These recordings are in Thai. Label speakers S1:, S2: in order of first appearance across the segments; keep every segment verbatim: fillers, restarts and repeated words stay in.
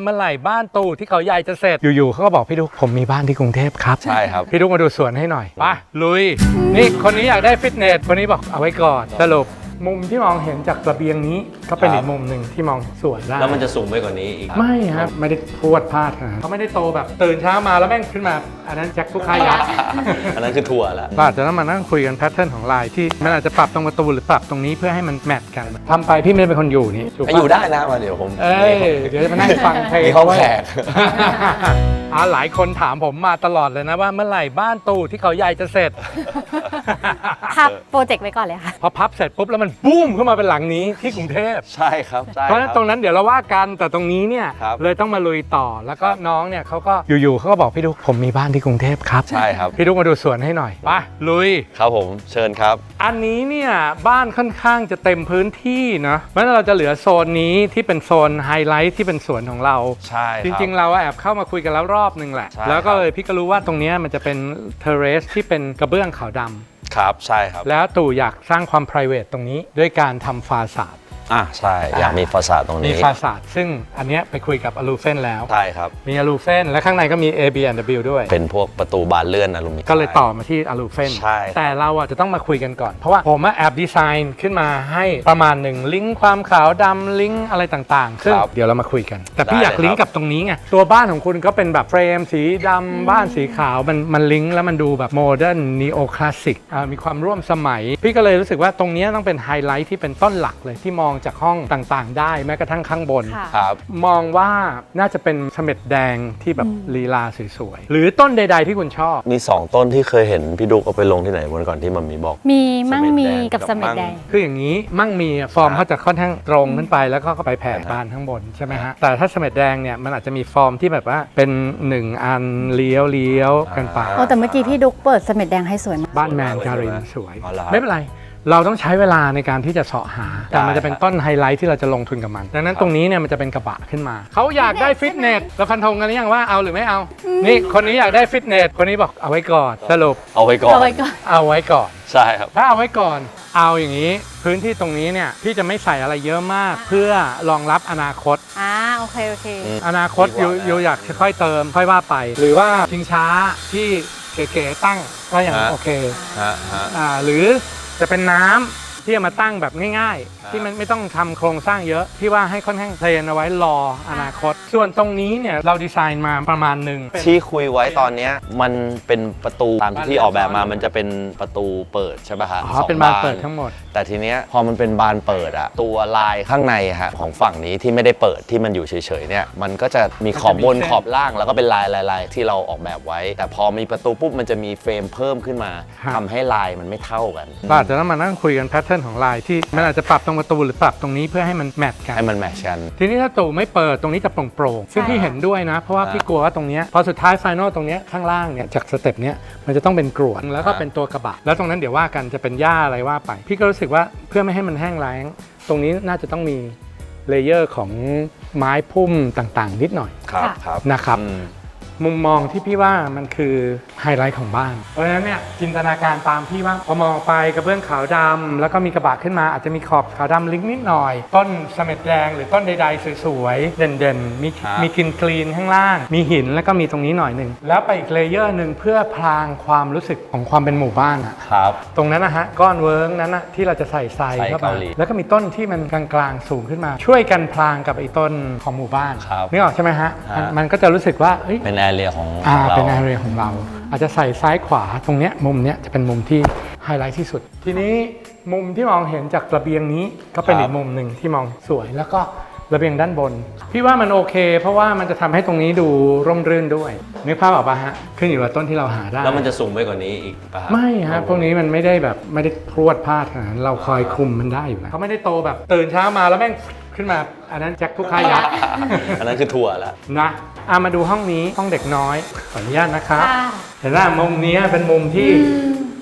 S1: มื่อไหร่บ้านตู่ที่เขาใหญ่จะเสร็จอยู่ๆเขาก็บอกพี่ดุ๊กผมมีบ้านที่กรุงเทพครับ
S2: ใช่ครับ
S1: พี่ดุ๊กมาดูสวนให้หน่อยไปลุยนี่คนนี้อยากได้ฟิตเนสคนนี้บอกเอาไว้ก่อนสรุปมุมที่มองเห็นจากระเบียงนี้ก็เป็นอีกมุมหนึ่งที่มองสวนได้
S2: แล้วมันจะสูงไปกว่านี้อีก
S1: ไม่ครับไม่ได้พรวดพลาดนะเขาไม่ได้โตแบบตื่นเช้ามาแล้วแม่งขึ้นมาอันนั้นแจ็คลูกค้ายักษ์
S2: อันนั้นคือถั่วแล้ว
S1: ก็อาจจะต้องมานั่งคุยกันแพทเทิร์นของลายที่มันอาจจะปรับตรงประตูหรือปรับตรงนี้เพื่อให้มันแมทกันทำไปพี่ไม่ได้เป็นคนอยู่นี่
S2: อยู่ได้นะมาเดี๋ยวผม
S1: เอ้ยเดี๋ยวจะมานั่งฟังเพลง
S2: มีห้องแขก
S1: อ่าหลายคนถามผมมาตลอดเลยนะว่าเมื่อไหร่บ้านตู่ที่เขาใหญ่จะเสร็จ
S3: พับโปรเจกต์ไว้ก่อนเลยค่ะ
S1: พอพับเสร็จปุ๊บแล้วมันบูมขึ้นมาเป็นหลังนี้ที่กรุงเทพ
S2: ใช่ครับ
S1: เพราะฉะนั้นตรงนั้นเดี๋ยวเราว่ากันแต่ตรงนี้เนี่ยเลยต้องมาลุยต่อแล้วก็น้องเนี่ยเขาก็อยู่ๆเขาก็บอกพี่ดุ๊กผมมีบ้านที่กรุงเทพครับ
S2: ใช่ครับ
S1: พี่ดุ๊กมาดูสวนให้หน่อยไปลุย
S2: ครับผมเชิญครับ
S1: อันนี้เนี่ยบ้านค่อนข้างจะเต็มพื้นที่เนาะเพราะฉะนั้นเราจะเหลือโซนนี้ที่เป็นโซนไฮไลท์ที่เป็นสวนของเรา
S2: ใช่
S1: จริงๆเราแอบเข้ามาคุยกันแล้วรอบนึงแหละแล้วก็เลยพี่ก็รู้ว่าตรงนี้มันจะเป็นเทเรสที่เป็นกระเบื้องขาวดำ
S2: ครับใช่ครับ
S1: แล้วตู่อยากสร้างความ private ตรงนี้ด้วยการทำฟาซาด
S2: อ่ะใช่อยากมีฟาซาดตรงนี้
S1: มีฟาซาดซึ่งอันนี้ไปคุยกับอลูเฟนแล้ว
S2: ใช่ครับ
S1: มีอลูเฟนและข้างในก็มี เอ บี แอนด์ ดับเบิลยู ด้วย
S2: เป็นพวกประตูบานเลื่อนอลูมิเนียม
S1: ก็เลยต่อมาที่อลูเฟน
S2: ใช่
S1: แต่เราอ่ะจะต้องมาคุยกันก่อนเพราะว่าผมแอบดีไซน์ขึ้นมาให้ประมาณหนึ่งลิงก์ความขาวดำลิงก์อะไรต่างๆซึ่งเดี๋ยวเรามาคุยกันแต่พี่อยากลิงก์กับตรงนี้ไงตัวบ้านของคุณก็เป็นแบบเฟรมสีดำบ้านสีขาวมันมันลิงก์แล้วมันดูแบบโมเดิร์นนีโอคลาสสิกมีความร่วมสมัยพี่ก็เลยรู้สึกว่าตรงนี้ต้องเป็นไฮไลท์ที่เป็นต้นหลักเลยที่มองจากห้องต่างได้แม้กระทั่งข้างบน
S2: ครับ
S1: มองว่าน่าจะเป็นเสม็ดแดงที่แบบลีลาสวยๆหรือต้นใดๆที่คุณชอบ
S2: มีสองต้นที่เคยเห็นพี่ดุ๊กเอาไปลงที่ไหนวันก่อนที่มันมีบอก
S3: มีมั่งมีกับเสม็ดแดง
S1: คืออย่างนี้มั่งมีฟอร์มเขาจะค่อนข้างตรงขึ้นไปแล้วก็ไปแผ่บานข้างบนใช่ไหมฮะแต่ถ้าเสม็ดแดงเนี่ยมันอาจจะมีฟอร์มที่แบบว่าเป็นหนึ่งอันเลี้ยวเลี้ยวกันไป
S3: โอ้แต่เมื่อกี้พี่ดุ๊กเปิดเสม็ดแดงให้สวยมาก
S1: บ้านแมนการินสวยไม่เป็นไรเราต้องใช้เวลาในการที่จะเสาะหาแต่มันจะเป็นต้นไฮไลท์ที่เราจะลงทุนกับมันดังนั้นตรงนี้เนี่ยมันจะเป็นกระบะขึ้นมาเขาอยากได้ฟิตเนสเราฟันธงกันหรือยังว่าเอาหรือไม่เอานี่คนนี้อยากได้ฟิตเนสคนนี้บอกเอาไว้ก่อนสรุป
S2: เอาไว้ก่อน
S3: เอาไว้ก่อน
S1: เอาไว้ก่อน
S2: ใช่ครับ
S1: ถ้าเอาไว้ก่อนเอาอย่างนี้พื้นที่ตรงนี้เนี่ยพี่จะไม่ใส่อะไรเยอะมากเพื่อรองรับอนาคต
S3: อ่าโอเคโอเค
S1: อนาคตยูยูอยากค่อยเติมค่อยว่าไปหรือว่าชิงช้าที่เก๋ๆตั้งก็อย่างโอเคอ่าหรือจะเป็นน้ำที่จะมาตั้งแบบง่ายๆที่มันไม่ต้องทำโครงสร้างเยอะที่ว่าให้ค่อนข้างเทรนเอาไว้รออนาคตส่วนตรงนี้เนี่ยเราดีไซน์มาประมาณหนึ่ง
S2: ที่คุยไว้ตอนนี้มันเป็นประตูตามที่ออกแบบมามันจะเป็นประตูเปิดใช่ป่ะฮะ
S1: อ๋อเป็นบานเปิดทั้งหมด
S2: แต่ทีเนี้ยพอมันเป็นบานเปิดอะตัวลายข้างในฮะของฝั่งนี้ที่ไม่ได้เปิดที่มันอยู่เฉยๆเนี่ยมันก็จะมีขอบบนขอบล่างแล้วก็เป็นลายลายๆที่เราออกแบบไว้แต่พอมีประตูปุ๊บมันจะมีเฟรมเพิ่มขึ้นมาทำให้ลายมันไม่เท่ากัน
S1: ก็อาจจะต้องมานั่งคุยกันแพทเทิร์นของลายที่มันอาจจะปรับตรงประตูหรือปรับตรงนี้เพื่อให้มันแมทกัน
S2: ให้มันแมทกัน
S1: ทีนี้ถ้าตู่ไม่เปิดตรงนี้จะโปร่งๆซึ่งพี่เห็นด้วยนะเพราะว่าพี่กลัวว่าตรงนี้พอสุดท้ายไฟนอลตรงนี้ข้างล่างเนี่ยจากสเต็ปนี้มันจะต้องเป็นกรวดแล้วก็เป็นตัวกระบะแล้วตรงนั้นเดี๋ยวว่ากันจะเป็นหญ้าอะไรว่าไปพี่ก็รู้สึกว่าเพื่อไม่ให้มันแห้งแล้งตรงนี้น่าจะต้องมีเลเยอร์ของไม้พุ่มต่างๆนิดหน่อยนะครับมุมมองที่พี่ว่ามันคือไฮไลท์ของบ้านเพราะฉะนั้นเนี่ยจินตนาการตามพี่ว่าพอมองไปกระเบื้องขาวดำแล้วก็มีกระบะขึ้นมาอาจจะมีขอบขาวดำลิงก์นิดหน่อยต้นเสม็ดแดงหรือต้นใดๆสวยๆเด่นๆมีมีกรีนกรีนข้างล่างมีหินแล้วก็มีตรงนี้หน่อยหนึ่งแล้วไปอีกเลเยอร์หนึ่งเพื่อพรางความรู้สึกของความเป็นหมู่บ้านอ่ะตรงนั้นนะฮะก้อนเวิร์กนั้นนะที่เราจะใส่ทรายเข้าไปแล้วก็มีต้นที่มันกลางๆสูงขึ้นมาช่วยกันพรางกับไอ้ต้นของหมู่บ้านนึกออกใช่ไหมฮะมันก็จะรู้สึกว่า
S2: เป็นแอเรียของ
S1: อ่าเป็นแอเรียของเราอาจจะใส่ซ้ายขวาตรงเนี้ยมุมเนี้ยจะเป็นมุมที่ไฮไลท์ที่สุดทีนี้มุมที่มองเห็นจากระเบียงนี้ก็เป็นอีกมุมหนึ่งที่มองสวยแล้วก็ระเบียงด้านบนพี่ว่ามันโอเคเพราะว่ามันจะทำให้ตรงนี้ดูร่มรื่นด้วยนึกภาพออกป่ะฮะขึ้นอยู่กับต้นที่เราหาได้
S2: แล้วมันจะสูงไปกว่านี้อีกป่ะ
S1: ไม่ฮะพวกนี้มันไม่ได้แบบไม่ได้พรวดพลาดขนาดนั้นเราคอยคุมมันได้อยู่แล้วเขาไม่ได้โตแบบตื่นเช้ามาแล้วแม่งขึ้นมาอันนั้นแจ็คลูกค้ายักษ์
S2: อันนั้นคือถั่วแล้ว
S1: นะอามาดูห้องนี้ห้องเด็กน้อยขออนุญาตนะครับเห็นว่ามุมนี้เป็นมุมที่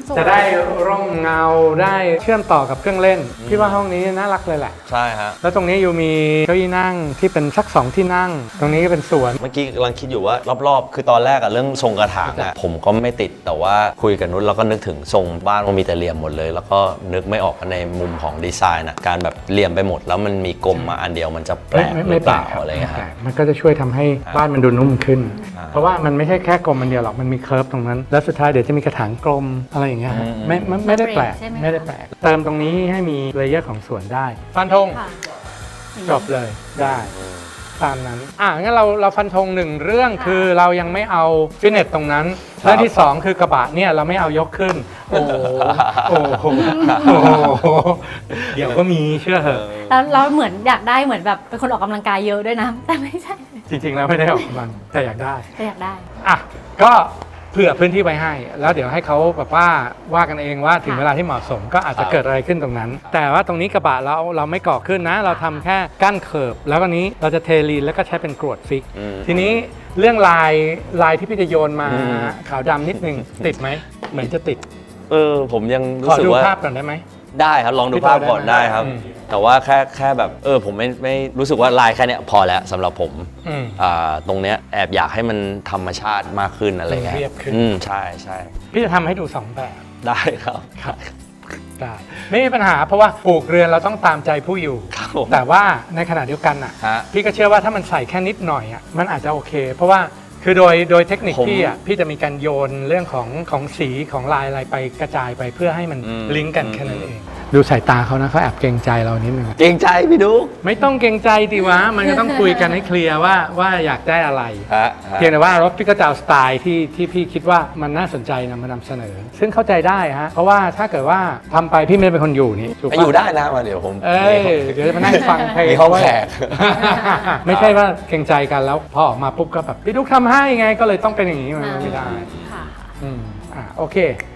S3: สวย
S1: จะได้ร่มเงาได้เชื่อมต่อกับเครื่องเล่นพี่ว่าห้องนี้น่ารักเลยแหละ
S2: ใช่ฮะ
S1: แล้วตรงนี้อยู่มีเก้าอี้นั่งที่เป็นสักสองที่นั่ง ตรงนี้ก็เป็นสวน
S2: เมื่อกี้กำลังคิดอยู่ว่ารอบๆ คือตอนแรกอะเรื่องทรงกระถางอะผมก็ไม่ติดแต่ว่าคุยกับนุชแล้วก็นึกถึงทรงบ้านมันมีแต่เหลี่ยมหมดเลย แล้วก็นึกไม่ออกในมุมของดีไซน์นะการแบบเหลี่ยมไปหมดแล้วมันมีกลมมาอันเดียวมันจะแปลก
S1: ไม่
S2: ห
S1: ไม่
S2: รือ
S1: แป
S2: เป
S1: ล
S2: ล่าก อะไรเงี้ย
S1: ไม่
S2: ค
S1: แปล
S2: รับ
S1: กมันก็จะช่วยทำให้บ้านมันดูนุ่มขึ้น
S2: อ่า
S1: เพราะว่ามันไม่ใช่แค่กลมมันเดียวหรอกมันมีเคิร์ฟตรงนั้น แล้วสุดท้ายเดี๋ยวจะมีกระถางกลมอะไรอย่างเงี้ยฮะ
S2: อืม
S1: ไม่ไม่ไม่ได้แปลก
S3: ใช่ไหมคะ
S1: ไม่ได้แปลกเติมตรงนี้ให้มีเลเยอร์ของสวนได้ฟันธง
S3: ค่ะ
S1: จบเลยได้ตามนั้นอ่ะงั้นเราเราฟันธงหนึ่งเรื่องคือเรายังไม่เอาฟิตเนสตรงนั้นเรื่องที่สองคือกระบะเนี่ยเราไม่เอายกขึ้น โอ้โหโอ้โหโอ้โหเดี๋ยวก็มีเชื่อเถอะ
S3: แล้วเราเหมือนอยากได้เหมือนแบบเป็นคนออกกำลังกายเยอะด้วยนะ แต่ไม่ใช่
S1: จริงๆแล้วไม่ได้ออกกำลังแต่อยากได้
S3: แต่อยากได้
S1: อ่ะก็เผื่อพื้นที่ไว้ให้ แล้วเดี๋ยวให้เขาแบบว่าว่ากันเองว่าถึงเวลาที่เหมาะสมก็อาจจะเกิดอะไรขึ้นตรงนั้น แต่ว่าตรงนี้กระบะเราเราไม่ก่อขึ้นนะ เราทำแค่กั้นเคิร์ฟแล้วก็นี้เราจะเทลีนแล้วก็ใช้เป็นกรวดฟิก
S2: อืม
S1: ทีนี้เรื่องลายลายที่พี่จะโยนมา
S2: อืม
S1: ขาวดำนิดนึงติดไหมเหมือนจะติด
S2: เออผมยัง
S1: ข
S2: รู้
S1: อ
S2: สึก
S1: ดู
S2: ว่า
S1: ภาพก่อนได้ไหม
S2: ได้ครับลองดู
S1: พี่
S2: ภาพ
S1: ต่อ
S2: ก่อน
S1: ได้
S2: ได้
S1: ไหม
S2: ครับ
S1: อืม
S2: แต่ว่าแค่แค่แบบเออผมไม่ไม่รู้สึกว่าลายแค่เนี้ยพอแล้วสำหรับผม
S1: อืม
S2: อ่าตรงเนี้ยแอบอยากให้มันธรรมชาติมากขึ้นอะไรเงี้ย
S1: เรียบขึ้น
S2: อืมใช่ใช่
S1: พี่จะทำให้ดูสองแบบ
S2: ได้ครับ
S1: ครับได้ไม่มีปัญหาเพราะว่าปลูกเรือนเราต้องตามใจผู้อยู่
S2: ครับผม
S1: แต่ว่าในขณะเดียวกันอ่ะ
S2: ฮะ
S1: พี่ก็เชื่อว่าถ้ามันใส่แค่นิดหน่อยอ่ะมันอาจจะโอเค เพราะว่าคือโดยโดยเทคนิค
S2: ผม
S1: พี่อ่ะพี่จะมีการโยนเรื่องของของสีของลายอะไรไปกระจายไปเพื่อให้มัน
S2: อืม
S1: ลิงก์กัน
S2: อืม
S1: แค่นั้นเอง ดูสายตาเขานะเขาแอบเกรงใจเรานิดนึง
S2: เกรงใจพี่ดุ๊ก
S1: ไม่ต้องเกรงใจดีวะมันก็ต้องคุยกันให้เคลียร์ว่าว่าอยากได้อะไร
S2: ฮะฮะ
S1: เพียงแต่ว่ารถพี่ก็จะเอาสไตล์ที่ที่พี่คิดว่ามันน่าสนใจนำมานำเสนอ ซึ่งเข้าใจได้ฮะเพราะว่าถ้าเกิดว่าทำไปพี่ไม่ได้เป็นคนอยู่นี่ถูก
S2: ไป
S1: ปะ
S2: อยู่ได้นะมาเดี๋ยวผม
S1: เอ้ยเดี๋ยวจะมานั่งฟังเพลง
S2: มีห้องแขก
S1: ไม่ใช่ว่าเกรงใจกันแล้วพอออกมาปุ๊บก็แบบพี่ดุ๊กทำให้ไงก็เลยต้องเป็นอย่างนี้มันไม่ได้
S3: ค่ะ
S1: อืมอ่ะโอเค